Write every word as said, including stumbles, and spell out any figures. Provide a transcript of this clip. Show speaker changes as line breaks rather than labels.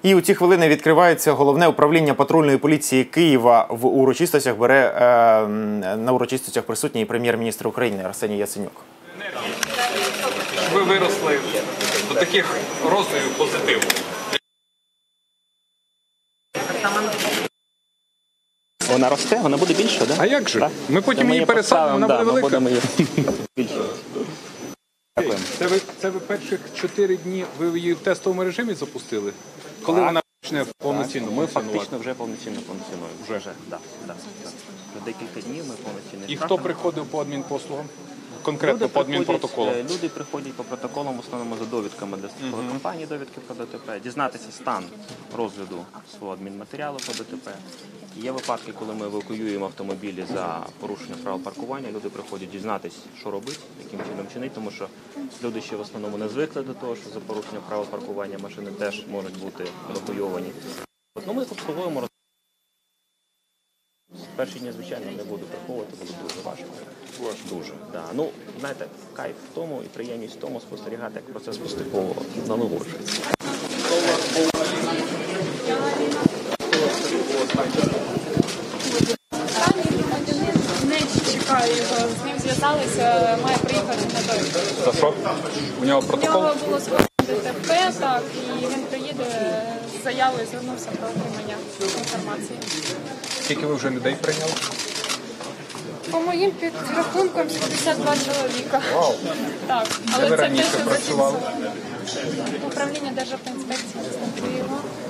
І у ці хвилини відкривається головне управління патрульної поліції Києва. В урочистостях бере е, на урочистостях присутній прем'єр-міністр України Арсеній Яценюк.
Ви виросли до таких розмірів позитиву.
Вона росте, вона буде більша, да?
А як же?
Так?
Ми потім
Ми
її пересадимо, вона
да,
буде велика.
Ми будемо її більшою.
Це ви, це ви перших чотири дні ви її в тестовому режимі запустили? Коли
Так.
вона почне повноцінно
Ми
функціонувати?
фактично вже повноцінно функціонуємо. Вже, вже, да, да, да. За декілька днів ми повноцінно.
І хто приходив по адмінпослугам? Конкретно по адмінпротоколу?
Люди приходять по протоколам, в основному за довідками для страхової компанії, довідки про ДТП, дізнатися стан розгляду свого адмінматеріалу по ДТП. Є випадки, коли ми евакуюємо автомобілі за порушення правил паркування, люди приходять дізнатися, що робити, яким чином чинити, тому що люди ще в основному не звикли до того, що за порушення правил паркування машини теж можуть бути евакуйовані. Ну, ми обслуговуємо. Перші дні, звичайно, не буду приховувати, буде дуже важко. Дуже, да. Ну, знаєте, кайф в тому і приємність в тому спостерігати, як процес поступово налагоджується.
Не чекаю його, з ним зв'язалися, має приїхати на довідку.
За що? У нього
У
протокол?
нього було скоєно ДТП, так, і він приїде з заявою, звернувся про отримання інформації.
Скільки ви вже людей прийняли?
По моїм підрахункам сімдесят два чоловіка.
Вау!
Так,
Де
але
ви
це те,
раніше
що
працювали?
зафіксовано. Управління Державтоінспекції Києва.